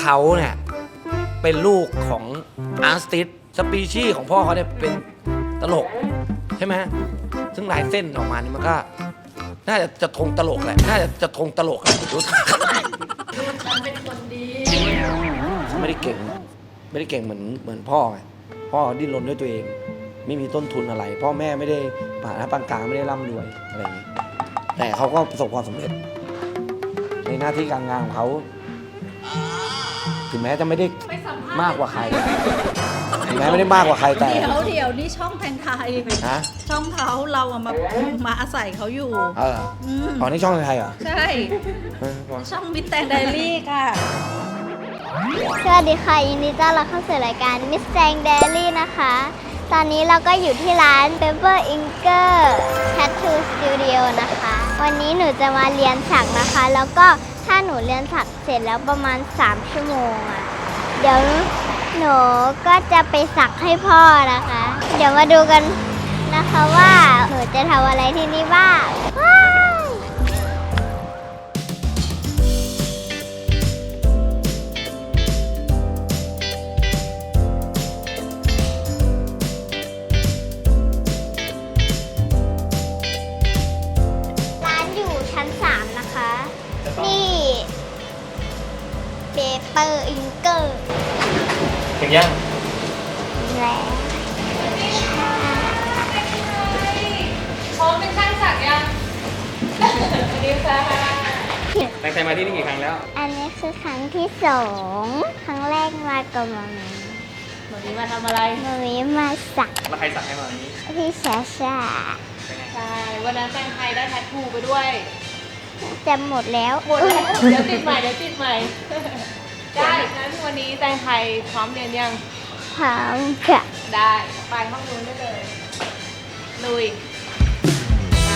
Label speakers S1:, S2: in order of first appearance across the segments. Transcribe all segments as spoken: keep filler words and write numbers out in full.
S1: เขาเนี่ยเป็นลูกของอาร์ติสสปีชีส์ของพ่อเขาเนี่ยเป็นตลกใช่ไหมซึ่งลายเส้นออกมานี่มันก็น่าจะจะทงตลกแหละน่าจะจะทงตลกแหละรู้
S2: ฉันเป็นคนดี
S1: เขาไม่ได้เก่งไม่ได้เก่งเหมือนเหมือนพ่อไงพ่อดิ้นรนด้วยตัวเองไม่มีต้นทุนอะไรพ่อแม่ไม่ได้ฐานะปานกลางไม่ได้ร่ำรวยอะไรอย่างนี้แต่เขาก็ประสบความสำเร็จในหน้าที่การงานของเขาถึงแม้จะไม่ได้มากกว่าใครถึงแม้ไม่ได้มากกว่าใครแต่
S2: เดี๋ยวเดี๋ยวนี่ช่องแทงไทย
S1: นะ
S2: ช่องเขาเราอะมามาอาศัยเขาอยู่
S1: เอออ๋อนี่ช่องไทยเหรอ
S2: ใช่ช่องมิสแตงไดรี่ค่ะ
S3: สวัสดีค่ะยินดีต้อนรับเข้าสู่รายการ Miss Tang Diary นะคะ ตอนนี้เราก็อยู่ที่ร้าน Pepper Inger Tattoo Studio นะคะ วันนี้หนูจะมาเรียนสักนะคะ แล้วก็ถ้าหนูเรียนสักเสร็จแล้วประมาณสามชั่วโมงอ่ะเดี๋ยวหนูก็จะไปสักให้พ่อนะคะ เดี๋ยวมาดูกันนะคะว่าหนูจะทำอะไรที่นี่บ้างเปเปอร์อิงเกอร์
S1: ถึงยัง
S3: แล้ว
S2: พร้อมเป็นช่างสักยังสวัสดีค่ะ
S1: ตั้งใจมาที่นี่กี่ครั้งแล้ว
S3: อันนี้คือครั้งที่สองครั้งแรกมากับมามี
S2: มามีมาทำอะไร
S3: มามีมาสัก
S1: แล้วใครสักให้มานี้
S3: พี่ชาชา
S2: ใช่วันนั้นแตงไทยได้แทททูไปด้วย
S3: จำหมดแล้ว
S2: หมดแล้วเดี๋ยวติดใหม่เดี๋ยวติดใหม่ได้งั้นวันนี้แตงไทยพร้อมเรียนยัง
S3: พร้อมค่ะ
S2: ได้ไปห้องนู้นได้เลยลุยไป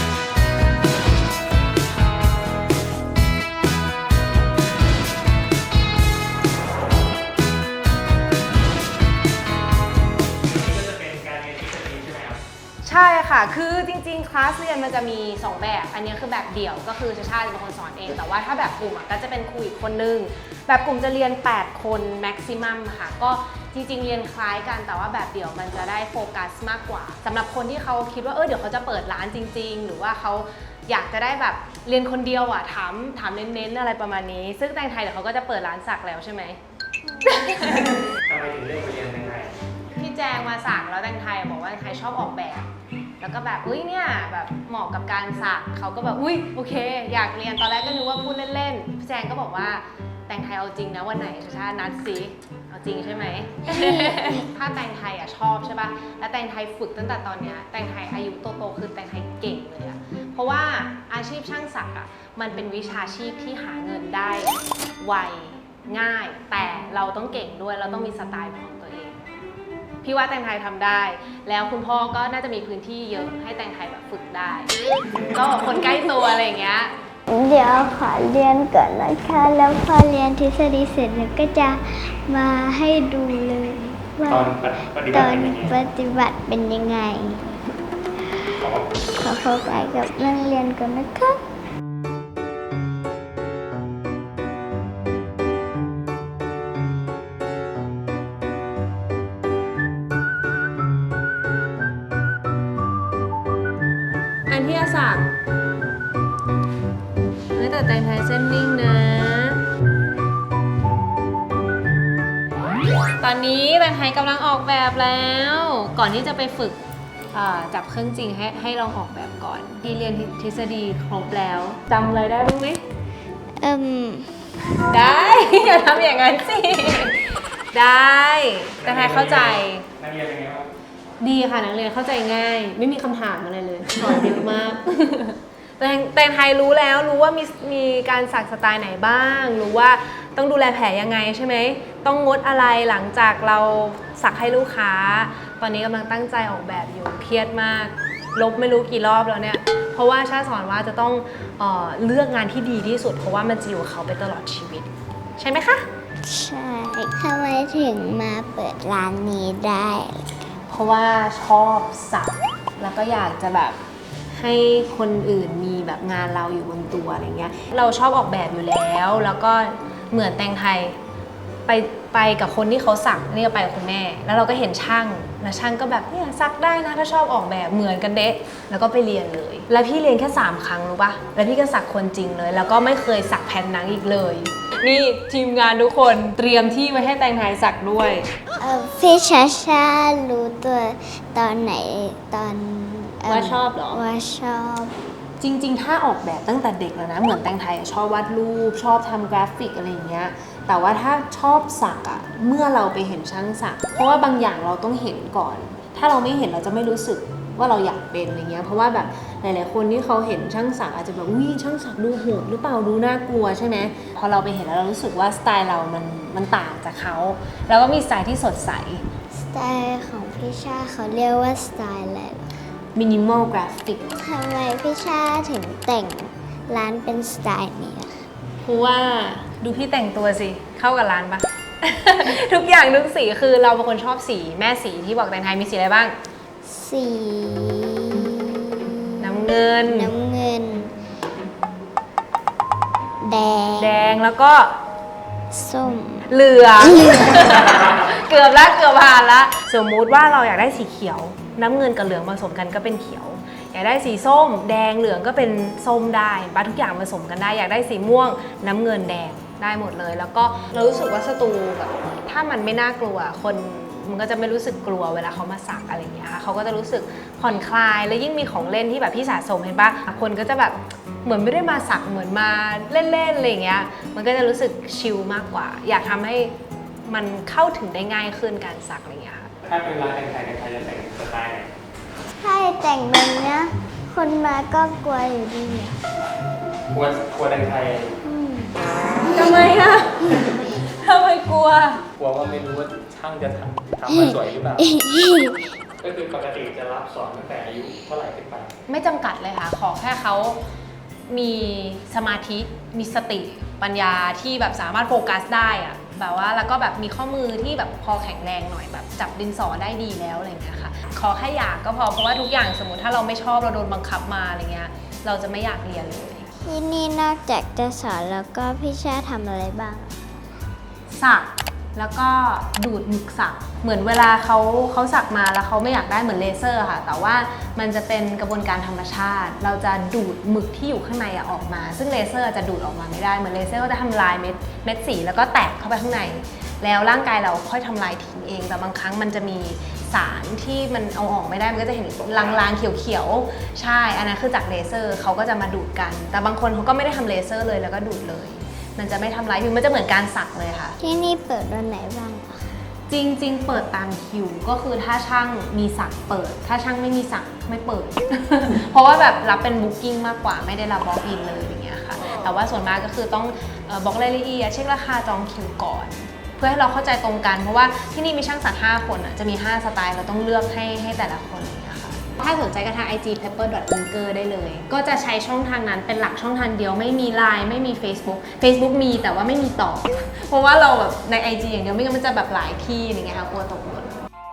S2: ใช่ค่ะคือจริงๆคลาสเรียนมันจะมีสองแบบอันนี้คือแบบเดี่ยวก็คือชาชาเป็นคนสอนเองแต่ว่าถ้าแบบกลุ่มก็จะเป็นครูอีกคนนึงแบบกลุ่มจะเรียนแปดคนแม็กซิมัมค่ะก็จริงๆเรียนคล้ายกันแต่ว่าแบบเดี่ยวมันจะได้โฟกัสมากกว่าสำหรับคนที่เขาคิดว่าเออเดี๋ยวเขาจะเปิดร้านจริงๆหรือว่าเขาอยากจะได้แบบเรียนคนเดียวอ่ะถามถามเน้นๆอะไรประมาณนี้ซึ่งแตงไทยเดี๋ยวเขาก็จะเปิดร้านสักแล้วใช่ไหม
S1: ทำไมถึงเลือกไปเรียนแตงไทย
S2: พี่แจงมาสักแล้วแตงไทยบอกว่าแตงไทยชอบออกแบบแล้วก็แบบอุ้ยเนี่ยแบบเหมาะกับการสักเขาก็แบบอุ้ยโอเคอยากเรียนตอนแรกก็นึกว่าพูดเล่นๆพี่แจงก็บอกว่าแตงไทยเอาจริงนะวันไหนชาชานัดสิเอาจริงใช่ไหม ถ้าแตงไทยอ่ะชอบใช่ป่ะแล้วแตงไทยฝึกตั้งแต่ตอนเนี้ยแตงไทยอายุโตๆคือแตงไทยเก่งเลยอะเพราะว่าอาชีพช่างสักอ่ะมันเป็นวิชาชีพที่หาเงินได้ไวง่ายแต่เราต้องเก่งด้วยเราต้องมีสไตล์ของตัวเองพี่ว่าแตงไทยทำได้แล้วคุณพ่อก็น่าจะมีพื้นที่เยอะให้แตงไทยแบบฝึกได้ก็คนใกล้ตัวอะไรอย่างเงี้ย
S3: เดี๋ยวขอเรียนก่อนนะคะแล้วพอเรียนทฤษฎีเสร็จแล้วก็จะมาให้ดูเลยว่าตอนปฏิบัติเป็นยังไงขอเข้าไปกับเรื่องเรียนก่อนนะคะ
S2: อันที่อาศักแต่แตงไทยเส้นนิ่งนะตอนนี้แตงไทยกำลังออกแบบแล้วก่อนที่จะไปฝึกจับเครื่องจริงให้ให้ลองออกแบบก่อนที่เรียนทฤษฎีครบแล้วจำเลยได้ไหม
S3: เอิ่ม
S2: ได้อย่าทำอย่างนั้นสิได้แตงไทยเข้าใจ
S1: นักเรียนยังไงบ้าง
S2: ดีค่ะนักเรียนเข้าใจง่ายไม่มีคำถามอะไรเลยสอนเยอะมากแต่แตงไทยรู้แล้วรู้ว่ามีมีการสักสไตล์ไหนบ้างรู้ว่าต้องดูแลแผลยังไงใช่ไหมต้องงดอะไรหลังจากเราสักให้ลูกค้าตอนนี้กำลังตั้งใจออกแบบอยู่เครียดมากลบไม่รู้กี่รอบแล้วเนี่ยเพราะว่าชาสอนว่าจะต้องเอ่อเลือกงานที่ดีที่สุดเพราะว่ามันจะอยู่กับเขาไปตลอดชีวิตใช่ไหมคะ
S3: ใช่ทำไมถึงมาเปิดร้านนี้ได้
S2: เพราะว่าชอบสักแล้วก็อยากจะแบบให้คนอื่นมีแบบงานเราอยู่บนตัวอะไรเงี้ยเราชอบออกแบบอยู่แล้วแล้วก็เหมือนแตงไทยไปไปกับคนที่เขาสักนี่ก็ไปกับคุณแม่ แล้วเราก็เห็นช่างแล้วช่างก็แบบเนี่ยสักได้นะถ้าชอบออกแบบเหมือนกันเดะแล้วก็ไปเรียนเลย แล้วพี่เรียนแค่สามครั้งรู้ปะแล้วพี่ก็สักคนจริงเลย แล้วก็ไม่เคยสักแผ่นหนังอีกเลยนี่ทีมงานทุกคนเตรียมที่ไว้ให้แตงไทยสักด้วย
S3: เอ่อพี่ชาชารู้ตัวตอนไหนตอนเ
S2: ว่าชอบเหรอ
S3: ว่าชอบ
S2: จริงๆ ถ้าออกแบบตั้งแต่เด็กแล้วนะเหมือนแตงไทยชอบวาดรูปชอบทำกราฟิกอะไรอย่างเงี้ยแต่ว่าถ้าชอบสักอะเมื่อเราไปเห็นช่างสักเพราะว่าบางอย่างเราต้องเห็นก่อน ถ้าเราไม่เห็นเราจะไม่รู้สึกว่าเราอยากเป็นอะไรเงี้ยเพราะว่าแบบหลายๆคนที่เขาเห็นช่างสักอาจจะแบบอุ้ยช่างสักดูโหดหรือเปล่าดูน่ากลัวใช่ไหมพอเราไปเห็นแล้วเรารู้สึกว่าสไตล์เรามันมันต่างจากเขาแล้วก็มีสไตล์ที่สดใส
S3: สไตล์ของพี่ชาเขาเรียกว่าสไตล์อะไรเหรอ
S2: มินิมอลกราฟิก
S3: ทำไมพี่ชาถึงแต่งร้านเป็นสไตล์นี้อะ
S2: เพราะว่าดูพี่แต่งตัวสิเข้ากับร้านปะ ทุกอย่างทุกสีคือเราเป็นคนชอบสีแม่สีที่บอกแตงไทยมีสีอะไรบ้าง
S3: สี
S2: น้ำเงิน
S3: น้ำเงิน แดง
S2: แดงแล้วก็
S3: ส้ม
S2: เหลือง เกือบละเกือบผ่านละสมมุติว่าเราอยากได้สีเขียว น้ำเงินกับเหลืองผสมกันก็เป็นเขียว อยากได้สีส้ม แดงเหลืองก็เป็นส้มได้ปะทุกอย่างผสมกันได้อยากได้สีม่วง น้ำเงินแดงได้หมดเลย แล้วก็เรารู้สึกว่าสตูแบบถ้ามันไม่น่ากลัวคนมันก็จะไม่รู้สึกกลัวเวลาเขามาสักอะไรอย่างเงี้ยค่ะเขาก็จะรู้สึกผ่อนคลายแล้วยิ่งมีของเล่นที่แบบพี่สะสมเห็นปะคนก็จะแบบเหมือนไม่ได้มาสักเหมือนมาเล่นๆอะไรอย่างเงี้ยมันก็จะรู้สึกชิลมากกว่า อยากทำให้มันเข้าถึงได้ง่ายขึ้นการสักอะไรอย่างเงี้ยค่ะ
S4: ถ้าเป็นร้านแต่งไทยแต่งไทยจะแต่งสไตล์ไหน
S3: ถ้าแต่งแบบเนี้ยคนมาก็กลัวอยู่ดีอะ
S4: กลัวกลัวแต่งไทย
S3: อืม
S2: ทำไมอะทำไมกลัว
S4: กลัวว่าไม่รู้ว่าช่างจะทำทำมาสวยหรือเปล่า ก็คือปกติจะรับสอนตั้งแต่อายุเท่าไหร่ขึ้นไป
S2: ไม่จำกัดเลยค่ะ ขอแค่เขามีสมาธิ มีสติ ปัญญาที่แบบสามารถโฟกัสได้อะแบบว่าแล้วก็แบบมีข้อมือที่แบบพอแข็งแรงหน่อยแบบจับดินสอได้ดีแล้วอะไรอย่างเงี้ยค่ะ ขอแค่อยากก็พอ เพราะว่าทุกอย่างสมมติถ้าเราไม่ชอบเราโดนบังคับมาอะไรเงี้ย เราจะไม่อยากเรียนเลย
S3: ที่นี่นอกจากจะสอนแล้วก็พี่ชาทำอะไรบ้างอะ
S2: สักแล้วก็ดูดหมึกสักเหมือนเวลาเขาเขาสักมาแล้วเขาไม่อยากได้เหมือนเลเซอร์ค่ะแต่ว่ามันจะเป็นกระบวนการธรรมชาติ เราจะดูดหมึกที่อยู่ข้างในออกมา ซึ่งเลเซอร์จะดูดออกมาไม่ได้เหมือนเลเซอร์ก็จะทำลายเม็ดเม็ดสีแล้วก็แตกเข้าไปข้างในแล้วร่างกายเราค่อยทำลายทิ้งเองแต่บางครั้งมันจะมีสารที่มันเอาออกไม่ได้มันก็จะเห็นลางๆเขียวๆใช่อันนั้นคือจากเลเซอร์เขาก็จะมาดูดกันแต่บางคนเขาก็ไม่ได้ทำเลเซอร์เลยแล้วก็ดูดเลยมันจะไม่ทำร้ายผิวมันจะเหมือนการสักเลยค่ะ
S3: ที่นี่เปิดวันไหนบ้างอะ
S2: จริงๆ เปิดตามคิวก็คือถ้าช่างมีสักเปิด ถ้าช่างไม่มีสักไม่เปิด เพราะว่าแบบรับเป็นบุ๊กิ้งมากกว่าไม่ได้รับบล็อกอินเลยอย่างเงี้ยค่ะแต่ว่าส่วนมากก็คือต้องเอ่อบล็อกรายละเอียดเช็คราคาจองคิวก่อน เพื่อให้เราเข้าใจตรงกันเพราะว่าที่นี่มีช่างสักห้าคนอ่ะจะมีห้าสไตล์เราต้องเลือกให้ให้แต่ละคนอย่างเงี้ยค่ะถ้าสนใจก็ทาง ไอ จี pepper dot inker ได้เลย ก็จะใช้ช่องทางนั้นเป็นหลักช่องทางเดียวไม่มี ไลน์ ไม่มี Facebook Facebook มีแต่ว่าไม่มีต่อ เพราะว่าเราแบบใน ไอ จี อย่างเดียวไม่งั้นมันจะแบบหลายที่อย่างเงี้ยค่ะกลัวตกหล่น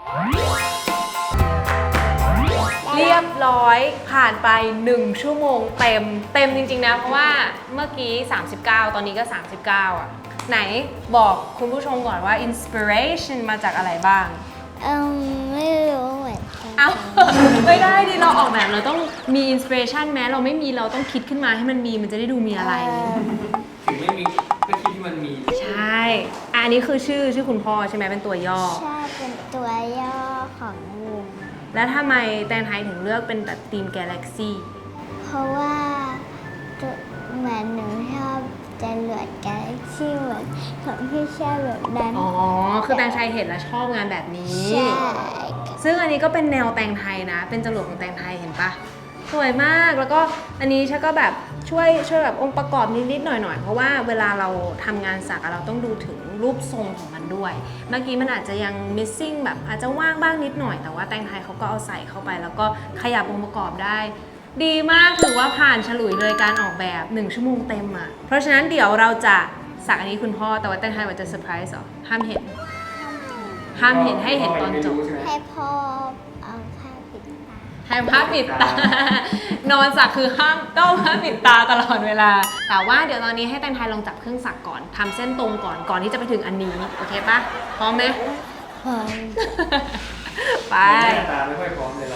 S2: เรียบร้อยผ่านไปหนึ่งชั่วโมงเต็มเต็มจริงๆนะเพราะว่าเมื่อกี้สามสิบเก้าตอนนี้ก็สามสิบเก้าอ่ะไหนบอกคุณผู้ชมก่อนว่า inspiration มาจากอะไรบ้าง
S3: เออไม่รู้เหมือนกัน
S2: เอา ไม่ได้ดิเราออกแบบเราต้องมีอินสปิเรชันแม้เราไม่มีเราต้องคิดขึ้นมาให้มันมีมันจะได้ดูมีอะไร
S3: เ
S4: ถึงไม่มีก็คิดที่มันมี
S2: ใช่อะอันนี้คือชื่อชื่อคุณพ่อใช่ไหมเป็นตัวย่อ
S3: ใช่เป็นตัวย่อของวง
S2: แล้วทำไมแตงไทยถึงเลือกเป็นแบบทีม Galaxy
S3: เพราะว่าตัวเหมือนหนูชอบจรวดกาแล็กซี่เหมือนของพี่ชาแบบนั้น
S2: อ๋อ คือแตงไทยเห็นแล้วชอบงานแบบนี้
S3: ใช่
S2: ซึ่งอันนี้ก็เป็นแนวแตงไทยนะ เป็นจรวดของแตงไทยเห็นปะสวยมากแล้วก็อันนี้ฉันก็แบบช่วยช่วยแบบองค์ประกอบนิดๆหน่อยๆเพราะว่าเวลาเราทำงานสักเราต้องดูถึงรูปทรงของมันด้วย เมื่อกี้มันอาจจะยัง missing แบบอาจจะว่างบ้างนิดหน่อยแต่ว่าแตงไทยเขาก็เอาใส่เข้าไป แล้วก็ขยับองค์ประกอบได้ ดีมากถือว่าผ่านฉลุยเลยการออกแบบหนึ่งชั่วโมงเต็มอ่ะเพราะฉะนั้นเดี๋ยวเราจะสักอันนี้คุณพ่อแต่ว่าแตงไทยว่าจะเซอร์ไพรส์เหรอห้ามเห็นห้ามเห็นให้เห็นตอนจบ
S3: ให้พ่อเอาผ้าปิดตา
S2: ห้ามห้ามปิดตา นอนสักคือห้ามต้องห้ามปิดตาตลอดเวลา แต่ว่าเดี๋ยวตอนนี้ให้แตงไทยลองจับเครื่องสักก่อนทำเส้นตรงก่อนก่อนที่จะไปถึงอันนี้โอเคปะพร้อมไหม
S3: พร้อม
S2: ไป
S4: หน้าตาไม่ค่อยพร้อมเลยเรา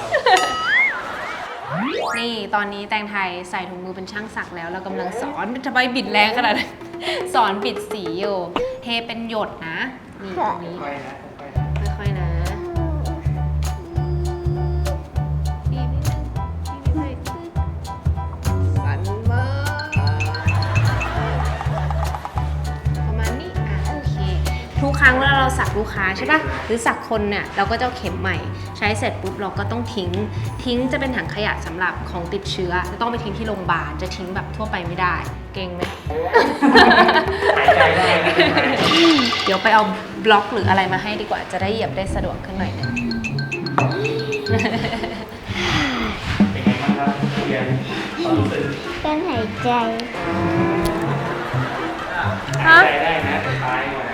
S2: นี่ตอนนี้แตงไทยใส่ถุงมือเป็นช่างสักแล้วเรากำลังสอนทำไมบิดแรงขนาดนั้น สอนบิดสีอยู่เทเป็นหยดนะนี่ตรงนี้
S4: ค่อยๆนะค่อยๆนะ
S2: ค่อยๆนะบีบนิดนึงบีบนิดนึงสั่นมากประมาณนี้อ่ะโอเคทุกครั้งเวลาเราสักลูกค้าใช่ปะหรือสักคนเนี่ยเราก็จะเอาเข็มใหม่ใช้เสร็จปุ๊บเราก็ต้องทิ้งทิ้งจะเป็นถังขยะสำหรับของติดเชื้อจะต้องไปทิ้งที่โรงพยาบาลจะทิ้งแบบทั่วไปไม่ได้เก่งไหม
S4: หายใจได้นะ
S2: เดี๋ยวไปเอาบล็อกหรืออะไรมาให้ดีกว่าจะได้เหยียบได้สะดวกขึ้นหน่อยนึง
S4: เป็นไงบ้างครับเรียนความรู้สึก
S3: การหายใจ
S4: หายใจได้นะแต่ตายก่อนนะ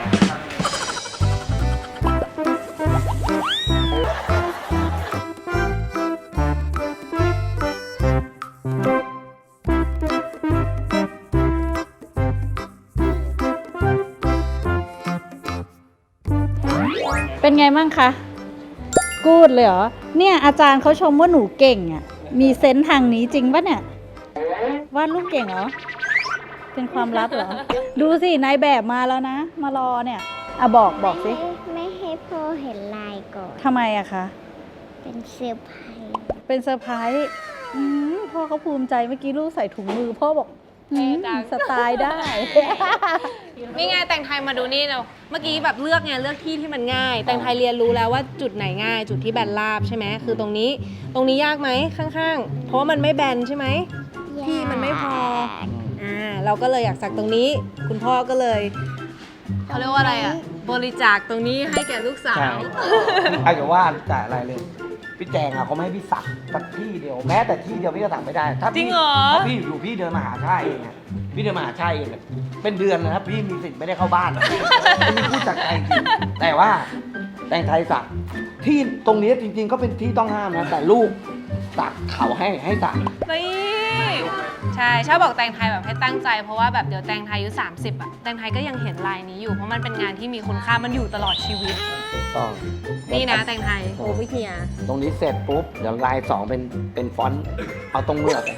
S5: เป็นไงบ้างคะกูดเลยเหรอ เนี่ยอาจารย์เขาชมว่าหนูเก่งอ่ะ มีเซนส์ทางนี้จริงปะเนี่ยวาดรูปเก่งเหรอ เป็นความลับเหรอ ดูสินายแบบมาแล้วนะ มารอเนี่ยอ่ะบอกบอกสิ
S3: ไม่ไม่ให้พ่อเห็นลายก่อน
S5: ทำไมอะคะ
S3: เป็นเซอร์ไพรส์
S5: เป็นเซอร์ไพรส์อืมพ่อเขาภูมิใจเมื่อกี้ลูกใส่ถุงมือ พ่อบอกอืมสไตล์ได้
S2: นี่ไงแต่งไทยมาดูนี่เราเมื่อกี้แบบเลือกไงเลือกที่ที่มันง่าย แต่งไทยเรียนรู้แล้วว่าจุดไหนง่าย จุดที่แบนราบใช่ไหมคือตรงนี้ตรงนี้ยากไหมข้างๆ เพราะว่ามันไม่แบนใช่ไหมที่มันไม่พออ่าเราก็เลยอยากสักตรงนี้ คุณพ่อก็เลยเขาเรียกว่าอะไรอ่ะบริจาคตรงนี้ให้แก่ลูกสา
S1: ใช่
S2: ว
S1: ไอ้จะว่าแต่อะไรเลย พี่แจงอ่ะเขาไม่ให้พี่สักสักที่เดียวแม้แต่ที่เดียวพี่ก็สักไม่ได้ถ้า
S2: จริ
S1: พี่
S2: งเหรอ
S1: ถ้าพี่อยู่พี่เดินมาหาชาเองอ่ะพี่เดินมาหาชาเองอะเป็นเดือนนะครับพี่มีสิทธิ์ไม่ได้เข้าบ้านอะอันนี้พูดจากใจจริงแต่ว่าแต่งไทยสักที่ตรงนี้จริง ๆ ก็เป็นที่ต้องห้ามนะแต่ลูกสักเขาให้ให้สัก
S2: นี่ใช่ชอบบอกแตงไทยแบบให้ตั้งใจเพราะว่าแบบเดี๋ยวแตงไทยอายุสามสิบอ่ะแตงไทยก็ยังเห็นลายนี้อยู่เพราะมันเป็นงานที่มีคุณค่ามันอยู่ตลอดชีวิต
S1: ต้อง
S2: นี่นะแตงไทยโอ้พี่เฮีย
S1: ตรงนี้เสร็จปุ๊บเดี๋ยวลายสองเป็นเป็นฟอนต์เอาตรงเมือก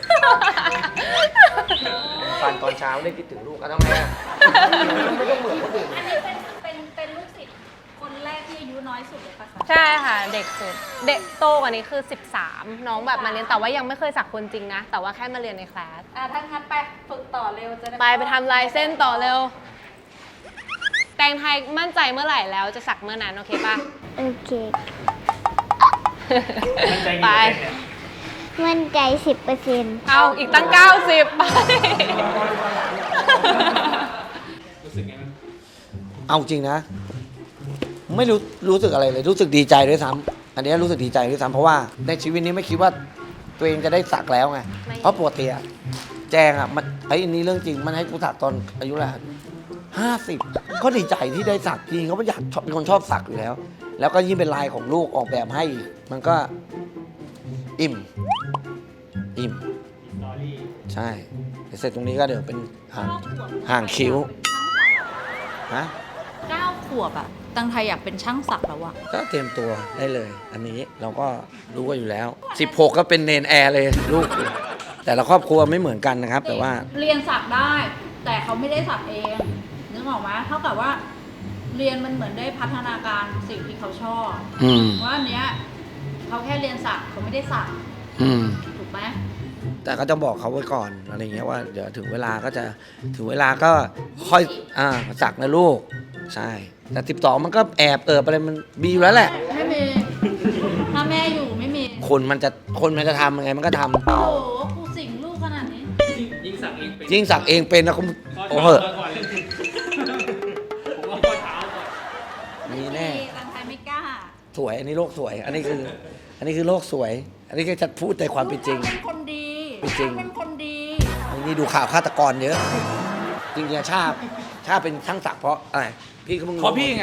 S1: ฟันตอนเช้าได้คิดถึงลูกก็ต้องแม่ไม่ต้องเหมือนคนอื่น
S5: เป็นเป็นลูกศิษย์คนแรกที่อายุน้อยสุดเลยปะคะ
S2: ใช่ค่ะเด็กสุดเด็กโตกว่านี้คือสิบสามน้องแบบมาเรียนแต่ว่ายังไม่เคยสักคนจริงนะ แต่ว่าแค่มาเรียนในคลาส
S5: อ่ะถ้างั้นไปฝึกต่อเร็วจะได้
S2: ไปไปทำลายเส้นต่อเร็ว แตงไทยมั่นใจเมื่อไหร่แล้วจะสักเมื่อนั้นโอเคปะ
S3: โอเค
S4: มั่นใจกี่
S2: ไป
S4: เปอร์เซ็นต์เนี่ย
S3: มั่นใจสิบเปอร์เซ็นต์
S2: เอาอีกตั้งเก้าสิบไป
S4: รู้สึกไงบ้าง
S1: เอาจริงนะ ไม่รู้รู้สึกอะไรเลย รู้สึกดีใจด้วยซ้ำอันนี้รู้สึกดีใจด้วยซ้ำเพราะว่าในชีวิตนี้ไม่คิดว่าตัวเองจะได้สักแล้วไงเพราะปกติอะแจงอะมันไอ้อันนี้เรื่องจริงมันให้กูสักตอนอายุแหละห้าสิบก็ดีใจที่ได้สักจริงเขาไม่อยากชอบเป็นคนชอบสักอยู่แล้ว แล้วก็ยิ่งเป็นลายของลูกออกแบบให้อีกมันก็อิ่มอิ่ม
S4: สตอรี่
S1: ใช่เดี๋ยวเสร็จตรงนี้ก็เดี๋ยวเป็นห่างห่างคิ้วฮะ
S5: เก้าขวบอะตังไทยอยากเป็นช่างสักแล้วอะ
S1: ก็เตรียมตัวได้เลย อันนี้เราก็รู้กันอยู่แล้ว สิบหกก็เป็นเนนแอร์เลยลูก แต่ละครอบครัวไม่เหมือนกันนะครับ แต่ว่า
S5: เรียนสักได้ แต่เขาไม่ได้สักเองนึกออกไหมเท่ากับว่า เรียนมันเหมือนได้พัฒนาการสิ่งที่เขาชอบ
S1: อืม
S5: ว่าอันเนี้ยเขาแค่เรียนสักเขาไม่ได้สัก
S1: อืม
S5: ถูกไหม
S1: แต่ก็จะบอกเขาไว้ก่อนอะไรเงี้ยว่าเดี๋ยวถึงเวลาก็จะถึงเวลาก็ค่อยอ่าสักนะลูก ใช่ แต่สิบสองมันก็แอบเอิบอะไรมันมีอยู่แล้วแหละ
S5: ไม่มีถ้าแม่อยู่ไม่มี
S1: คนมันจะคนมันจะทำยังไงมันก็ทำ
S5: โอ้โหกูสิงลูกขนาดนี้
S4: ยิ่งสักเองเป็น
S1: ยิ่งสักเองเป็นนะคุณโอ้โห
S4: ข้เท้าก่อนเลยผมว่าข้อเท้าก่อน
S1: มีแน่
S5: ตังไทยไม่กล้า
S1: สวย อันนี้โลกสวย อันนี้คือ อันนี้คือโลกสวย อันนี้ก็จะพูดในความเป็นจริง
S5: เป็นคนดี
S1: เป็นจริง
S5: เป็นคนดี
S1: อันนี้ดูข่าวฆาตกรเยอะ จริงๆชาติชาติเป็นช่างสักเพราะอะไรพี่ก็มึง
S6: เพราะพี่ไง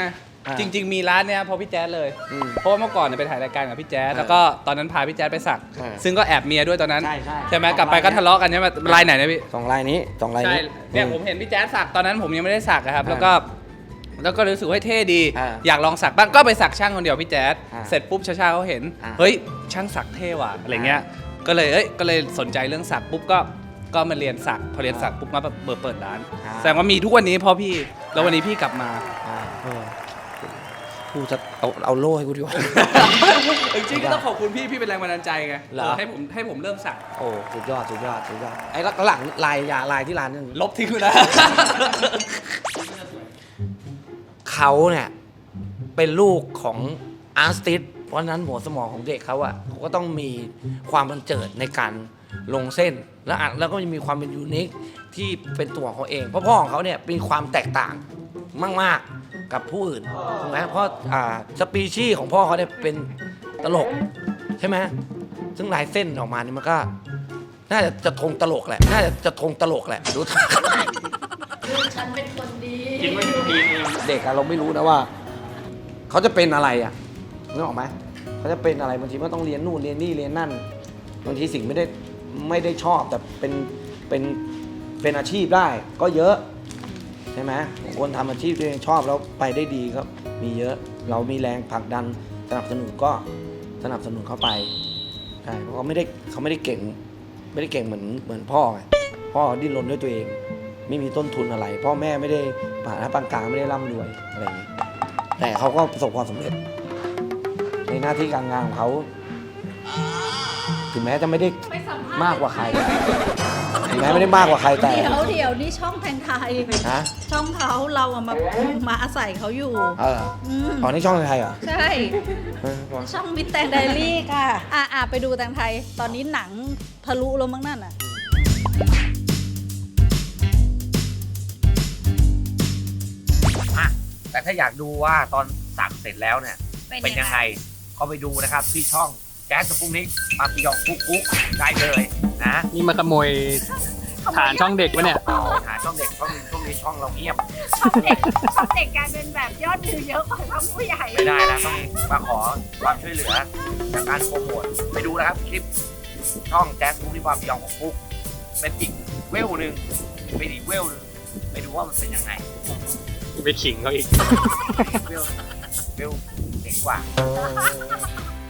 S1: อ่า
S6: จริง ๆ มีร้านเนี้ยเพราะพี่แจ๊ดเลย
S1: อืม
S6: เพราะว่าเมื่อก่อนเนี่ยไปถ่ายรายการกับพี่แจ๊ด
S1: เออ
S6: แล้วก็ตอนนั้นพาพี่แจ๊ดไปสัก
S1: เออ
S6: ซึ่งก็แอบเมียด้วยตอนนั้น
S1: ใช่ใช่
S6: ไหม
S1: สอง
S6: กลับไปก็
S1: ลาย
S6: ทะเลาะกันใช่ไหมลายไหนนะพี่
S1: สองลายนี้สองลาย
S6: ใช่
S1: นี้
S6: เนี่ยผมเห็นพี่แจ๊ดสักตอนนั้นผมยังไม่ได้สักอะครับ
S1: อ่า
S6: แล้วก็แล้วก็รู้สึกว่าเท่ดี
S1: อ่า
S6: อยากลองสักบ้างก็ไปสักช่างคนเดียวพี่แจ๊ด
S1: อ่า
S6: เสร็จปุ๊บชาชาเขาเห็น
S1: อ่า
S6: เฮ้ยช่างสักเท่ว่ะอะไรเงี้ยก็เลยเอ้ยก็เลยสนใจเรื่องสักปุ๊บก็ก็มาเรียนสักพอเรียนสักปุ๊บมาเปิดเปิดร้าน
S1: อ่า
S6: แสดงว่ามีทุกวันนี้เพราะพี่แล้ววันนี้พี่กลับมา
S1: อ่าเออกูจะเอาเอาโล่ให้กูดีกว่า
S6: จริงๆก็ต้องขอบคุณพี่พี่เป็นแรงบันดาลใจไง
S1: เหรอ
S6: เออให้ผมให้ผมเริ่มสัก
S1: โอ้สุดยอดสุดยอดสุดยอดไอ้แล้วหลังลายยาลายที่ร้านนึง
S6: ลบทิ้งไปนะ
S1: เขาเนี่ยเป็นลูกของอาร์ติสเพราะฉะนั้นหัวสมองของเด็กเขาอะเขาก็ต้องมีความบันเจิดในการลงเส้นแล้วอ่ะแล้วก็จะมีความเป็นยูนิคที่เป็นตัวของเขาเองเพราะพ่อของเขาเนี่ยมีความแตกต่างมากๆกับผู้อื่นถูกไหมเพราะอ่าสปีชีส์ของพ่อเขาเนี่ยเป็นตลกใช่ไหมซึ่งลายเส้นออกมาเนี่ยมันก็น่าจะจะทงตลกแหละน่าจะจะทงตลกแหละดู
S4: คิดว่าดีเอง
S1: เด็กอะเราไม่รู้นะว่า เขาจะเป็นอะไรอะนึกออกไหมเขาจะเป็นอะไรบางทีมันต้องเรียนนู่นเรียนนี่เรียนนั่นบางทีสิ่งไม่ได้ไม่ได้ชอบแต่เป็นเป็นเป็นอาชีพได้ก็เยอะใช่ไหมบางคนทำอาชีพที่ตัวเองชอบแล้วไปได้ดีก็มีเยอะ เรามีแรงผลักดันสนับสนุนก็สนับสนุนเข้าไปใช่เพราะเขาไม่ได้เขาไม่ได้เก่ง ไม่ได้เก่งเหมือนเหมือนพ่อไงพ่อดิ้นรนด้วยตัวเอง ไม่มีต้นทุนอะไร พ่อแม่ไม่ได้ฐานะปานกลางไม่ได้ร่ำรวยอะไรอย่างนี้แต่เขาก็ประสบความสำเร็จ ในหน้าที่การงานของเขาถึงแม้จะไม่ได้มากกว่าใครถึงแม้ไม่ได้มากกว่าใครแต่
S5: เดี๋ยวเดี๋ยวนี่ช่องแพงไทย
S1: นะ
S5: ช่องเขาเราอะมามาอาศัยเขาอยู่
S1: เออ
S5: อืม
S1: อ๋อนี่ช่องไทยเหรอ
S5: ใช่
S1: เออ
S5: ช่องมิสแตงไดรี่ค่ะ อ่ะอ่ะไปดูแตงไทย ตอนนี้หนังทะลุแล้วมั้งนั่นอ่ะ
S1: อ่ะแต่ถ้าอยากดูว่าตอนสั่งเสร็จแล้วเนี่ย เป็นยังไงก็ไปดูนะครับที่ช่องแจ๊สสปุกนิกปาปิยองกุ๊กกุ๊กได้เลยนะ
S4: นี่มาขโมยฐานช่องเด็กวะเนี่ย
S1: หาช่องเด็กช่องนี้ช่องนี้ช่องเราเงียบ
S7: เด็กเด็กกลายเป็นแบบยอดวิวเยอะกว่าช่องผู้ใหญ่
S1: ไม่ได้นะต้องมาขอความช่วยเหลือจากการโปรโมทไปดูนะครับคลิปช่องแจ๊สสปุกนิกปาปิยองกุ๊กกุ๊กเป็นอีกเวลหนึ่งเป็นอีกเวลหนึ่งไปดูว่ามันเป็นยังไง
S4: ไปขิงเขาอีก
S1: เวลเวลเจ๋งกว่า